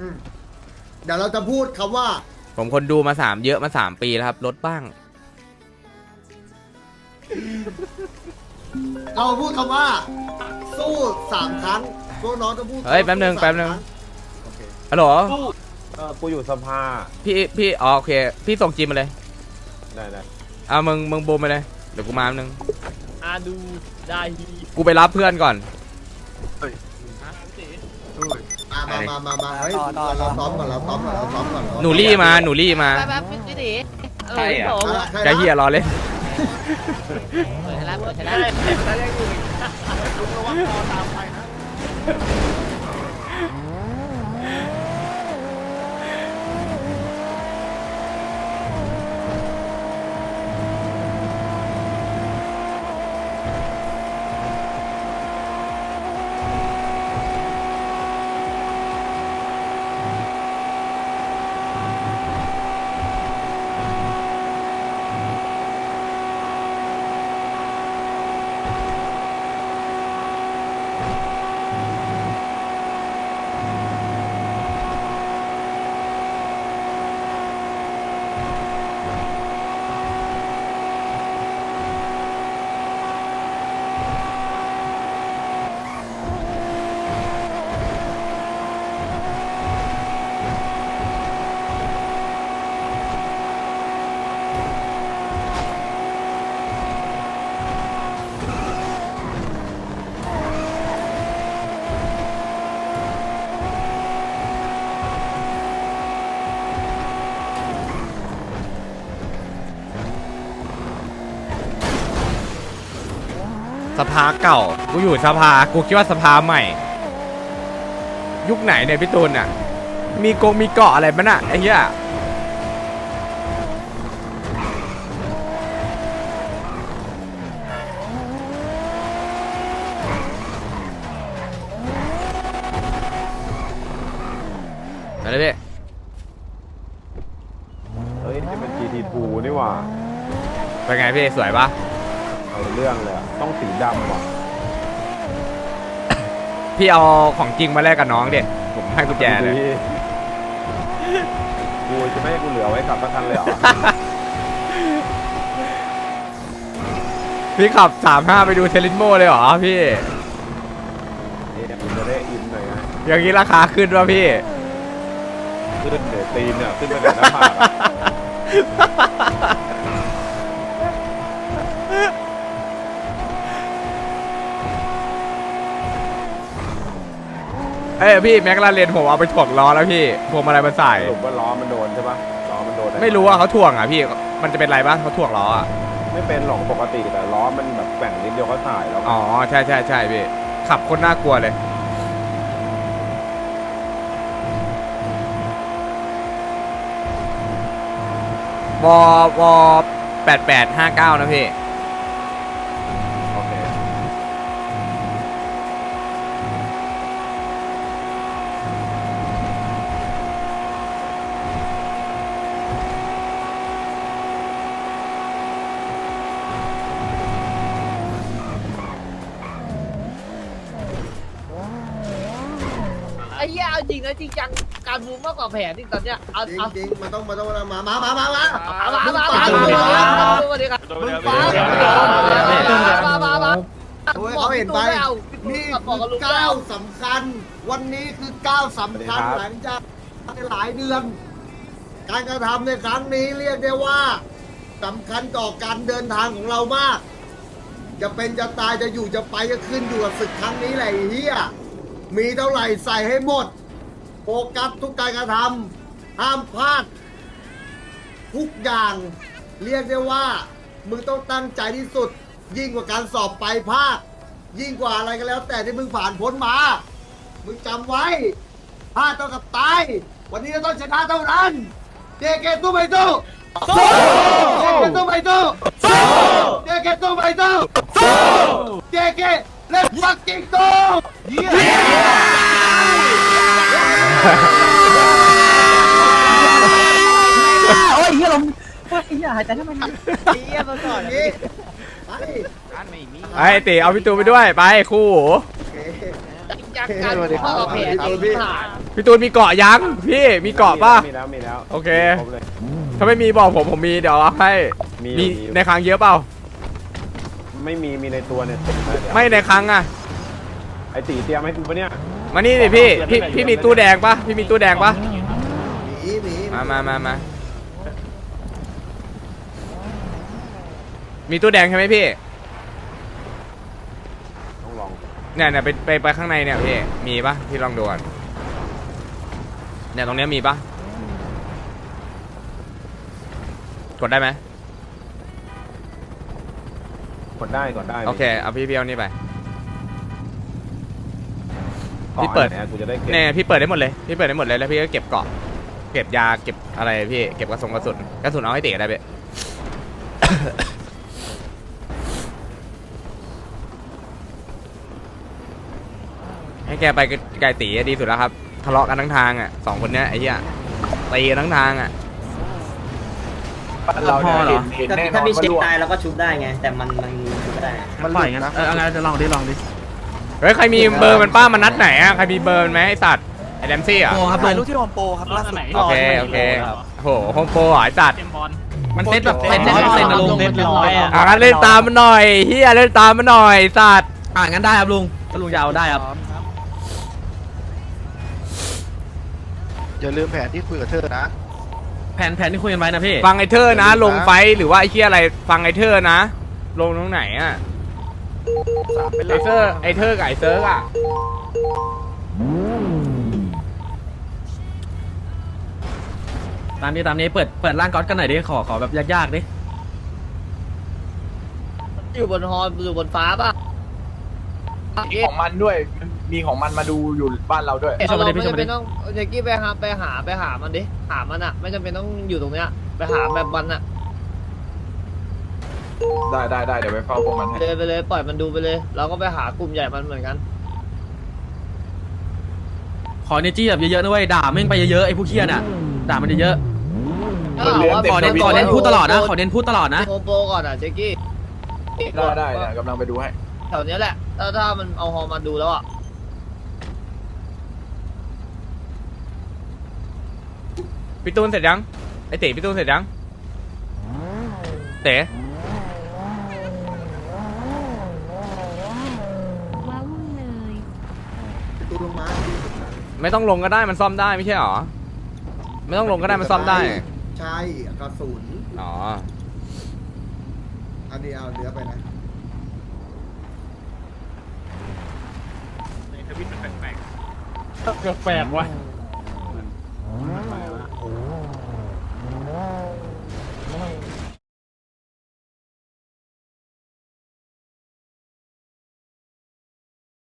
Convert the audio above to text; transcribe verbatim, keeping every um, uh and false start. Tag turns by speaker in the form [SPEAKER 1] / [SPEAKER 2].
[SPEAKER 1] เดี๋ยวเราจะพูดคำว่า
[SPEAKER 2] ผมคนดูมาสามเยอะมาสามปีแล้วครับลดบ้าง
[SPEAKER 1] เราพูดคำว่าสู้สามครั้งพวกน้องจะพูด
[SPEAKER 2] เฮ้ยแป๊บนึงแป๊บนึงฮัลโหล
[SPEAKER 3] เออกูอยู่สภา
[SPEAKER 2] พี่พี่อ๋อโอเคพี่ส่งจีมมาเลย
[SPEAKER 3] ได้ได้
[SPEAKER 2] เอามึงมึงบูมไปเลยเดี๋ยวกูมาแป๊บนึง
[SPEAKER 4] อาดูได้
[SPEAKER 2] กูไปรับเพื่อนก่อน
[SPEAKER 1] มามามามาเฮ้ยเราซ้อมก่อนเราซ้อมก่อนเราซ้อมก่อน
[SPEAKER 2] หนูรี่มาหนูรี่มา
[SPEAKER 4] แป๊บพี่ตี
[SPEAKER 2] ใช่เหรอแกเฮียรอเลย
[SPEAKER 4] เปิดแล้วเปิดแล้วแล้วยังอยู่ลุงระวังคอตามไปนะ
[SPEAKER 2] สภาเก่ากูอยู่สภากูคิดว่าสภาใหม่ยุคไหนเนี่ยพี่ตูนอ่ะมีกงมีเกาะอะไรมั้ยน่ะไอ้เหี้ยอะไรพี่
[SPEAKER 3] เฮ้ยนี่มัน จี ที ทู นี่หว่า
[SPEAKER 2] เป็นไงพี่สวยปะ
[SPEAKER 3] เอาเรื่องเลยต้องสีดำว่ะ
[SPEAKER 2] พี่เอาของจริงมาแลกกับน้องเด็ผมให้กุญแจเลย
[SPEAKER 3] กูจะไม่ให้กูเหลือไว้ขับสักคันเลยเหรอ
[SPEAKER 2] พี่ขับสามห้าไปดูเทลินโมเลยเหรอพี่
[SPEAKER 3] นี่เนี่ยมันจะได้อินหน่อยไง
[SPEAKER 2] อย่างนี้ราคาขึ้นวะพี่
[SPEAKER 3] ขึ้นเดี๋ยวตีนเนี่ยขึ้นไปไหนหน้าผาก
[SPEAKER 2] เอ้ยพี่แม็กลาเรนผมเอาไปถ่วงล้อแล้วพี่พวงมาลัยมาใส่
[SPEAKER 3] สรุปว่าล้อมันโดนใช่ปะล้อมันโดน
[SPEAKER 2] ไม่รู้ว่าเขาถ่วงอ่ะพี่มันจะเป็นไรบ้างเขาถ่วงล้ออ่ะ
[SPEAKER 3] ไม่เป็นหรอกปกติแต่ล้อมันแบบแกว่งนิดเดียวก็ถ่ายแล้ว
[SPEAKER 2] อ๋อใช่ใช่ใช่พี่ขับคนน่ากลัวเลยวอวอแปดแปดห้าเก้านะพี่
[SPEAKER 3] โอเค
[SPEAKER 4] ไอ้เหี้ยจริงนะจริงจังการบูมมากกว่าแผนที่ตอนเนี้ยเอา
[SPEAKER 1] จริงจริงมันต้องมันต้องมามามามามา
[SPEAKER 4] เอามามามาสวัสดีครับมึงฟังมามามา
[SPEAKER 1] เขาเห็นไปนี่คือก้าวสำคัญวันนี้คือก้าวสำคัญหลังจากหลายเดือนการกระทำในครั้งนี้เรียกได้ว่าสำคัญต่อการเดินทางของเรามากจะเป็นจะตายจะอยู่จะไปจะขึ้นอยู่กับศึกครั้งนี้แหละเฮียมีเท่าไหร่ใส่ให้หมดโฟกัสทุกการกระทำห้ามพลาดทุกอย่างเรียกได้ว่ามึงต้องตั้งใจที่สุดยิ่งกว่าการสอบปลายภาคยิ่งกว่าอะไรก็แล้วแต่ที่มึงผ่านพ้นมามึงจำไว้พลาดเท่ากับตายวันนี้เราต้องชนะเท่านั้นเจเกตู้ไปตู้สู้เจเกตู้ไปตู้สู้เจเกตู้ไปตู้สู้เจเกเล่นฟักกิ้งตู้เย้
[SPEAKER 5] โอ้ยเฮียลมโอ้ยเฮียหายใจทำไมเนี่ย
[SPEAKER 4] เฮียมาก่อนนี่
[SPEAKER 1] ไป
[SPEAKER 2] ไอ้ตีเอาพี่ตูไปด้วยไปคู่
[SPEAKER 4] จริงจักักกันข้อเพจที่ผ่าน
[SPEAKER 2] พี่ตูนมีเกาะยังพี่มีเกาะป่ะ
[SPEAKER 3] มีแล้วมีแล้ว
[SPEAKER 2] โอเค
[SPEAKER 3] ครบเลย
[SPEAKER 2] ถ้าไม่มีบอกผมผมมีเดี๋ยวเอาให้
[SPEAKER 3] มี
[SPEAKER 2] มี
[SPEAKER 3] มี
[SPEAKER 2] ในครั้งเยอะเปล่า
[SPEAKER 3] ไม่มีมีในตัวเนี่ยเต็มเลยเดี๋ยว
[SPEAKER 2] ไม่ในครั้งอะ
[SPEAKER 3] ไอตีเตรียมให้กูปะเนี่ย
[SPEAKER 2] มานี่ดิพี่พี่พี่มีตู้แดงปะพี่มีตู้แดงปะ
[SPEAKER 1] หนีหนี
[SPEAKER 2] มามามามามีตู้แดงใช่ไหมพี่
[SPEAKER 3] ต้องลอง
[SPEAKER 2] เนี่ยเนี่ยไปไปไปข้างในเนี่ยพี่มีปะพี่ลองดูก่อนเนี่ยตรงเนี้ยมีปะกดได้ไหม
[SPEAKER 3] กดได้กดได้
[SPEAKER 2] โอเคเอาพี่พี่เอานี่ไป
[SPEAKER 3] ก่อน
[SPEAKER 2] พี่เปิด
[SPEAKER 3] นี่ยกูจะได้เก็บ
[SPEAKER 2] เนี่ยพี่เปิดได้หมดเลยพี่เปิดได้หมดเลยแล้วพี่ก็เก็บเกาะเก็บยาเก็บอะไรพี่เก็บกระสุนกระสุนกระสุนเอาให้เตะได้พี่ ให้แกไปไกลตีดีสุดแล้วครับทะเลาะกันทั้งทางอ่ะสองคนเนี้ยไอ้เหี้ยตีกันทั้งทางอ่ะ
[SPEAKER 6] เราพอเหรอ
[SPEAKER 5] ถ้ามีเช็คตายเราก็ชุบได้ไง แต่มันมันชุบไม่ได้
[SPEAKER 6] มันปล่อยงั้นเออเอาไงจะลองดิลองดิ
[SPEAKER 2] เฮ้ยใครมีเบอร์มันป้ามันนัดไหนอ่ะใครมีเบอร์มันไหมไอสัตว์ไอแดมซี่อ่ะ
[SPEAKER 6] โปครับ
[SPEAKER 7] ถ่าย
[SPEAKER 6] ล
[SPEAKER 7] รู
[SPEAKER 6] ง
[SPEAKER 7] ปที่โฮมโปรครับล่าสุด
[SPEAKER 2] โอเคโอเคโหโฮมโปรเหรอไอสัตว์
[SPEAKER 6] มันเซ็ตแบบเซ็ตร้อยเปอร์เซ็นต์นะลุงเซ็ตร้อยอ่ะ
[SPEAKER 2] อ่ะงั้นเล่นตามมันหน่อยเฮียเล่นตามมันหน่อยสัตว์
[SPEAKER 6] อ่ะงั้นได้ครับลุงถ้าลุงจะเอาได้ครับ
[SPEAKER 7] อย่าลืมแผนที่คุยกับเธอนะ
[SPEAKER 6] แผนแผนที่คุยกันไว้นะพี่
[SPEAKER 2] ฟังไอเธอร์นะ ลงไฟท์หรือว่าไอเฮียอะไรฟังไอเธอร์นะ ลงตรงไหนอ่ะไอเธอร์ไอเธอร์กับไอเซิร์กอ่ะ
[SPEAKER 6] ตามนี้ตามนี้เปิดเปิดร่างก๊อตกันหน่อยดิขอขอแบบยากๆดิ
[SPEAKER 4] อยู่บนฮออยู่บนฟ้าป่ะ
[SPEAKER 7] ของมันด้วย มีของมันมาดูอยู่บ้านเราด้วย
[SPEAKER 4] เราไม่จำเป็นต้องเจกี้ไปหาไปหาไปหามันดิหามันอ่ะไม่จำเป็นต้องอยู่ตรงเนี้ยไปหาแบบมันอ่ะ
[SPEAKER 7] ได้ได้ได้เดี๋ยวไปเฝ้าพวกมันให้
[SPEAKER 4] เลยไปเลยปล่อยมันดูไปเลยเราก็ไปหากลุ่มใหญ่มันเหมือนกัน
[SPEAKER 6] ขอเนจี้แบบเยอะๆนะเว้ยด่าแม่งไปเยอะๆไอ้ผู้เคียน่ะด่ามันเยอะ
[SPEAKER 7] มันเลี้ยง
[SPEAKER 6] ๆ
[SPEAKER 7] เต็ม
[SPEAKER 6] ขอเน้นขอเน้นพูดตลอดนะขอเน้นพูดตลอดนะ
[SPEAKER 4] โฮมโปรก่อนอ่ะเจกี้
[SPEAKER 7] ได้ได้เดี๋ยวกำลังไปดูให้
[SPEAKER 4] แถวเนี้ยแหละถ้าถ้ามันเอาฮอมาดูแล้วอ่ะ
[SPEAKER 2] พี่ตูนเสร็จยังไอเต๋พี่ตูนเสร็จยังเต๋
[SPEAKER 8] ว้าวุ่นเลย
[SPEAKER 1] ตูลงมา
[SPEAKER 2] ไม่ต้องลงก็ได้มันซ่อมได้ไม่ใช่หรอไม่ต้องลงก็ได้มันซ่อมได้
[SPEAKER 1] ใช่กระสุน
[SPEAKER 2] อ๋อ
[SPEAKER 1] อันนี้เอาเนื้อไปนะ
[SPEAKER 7] แปลกๆว่ะ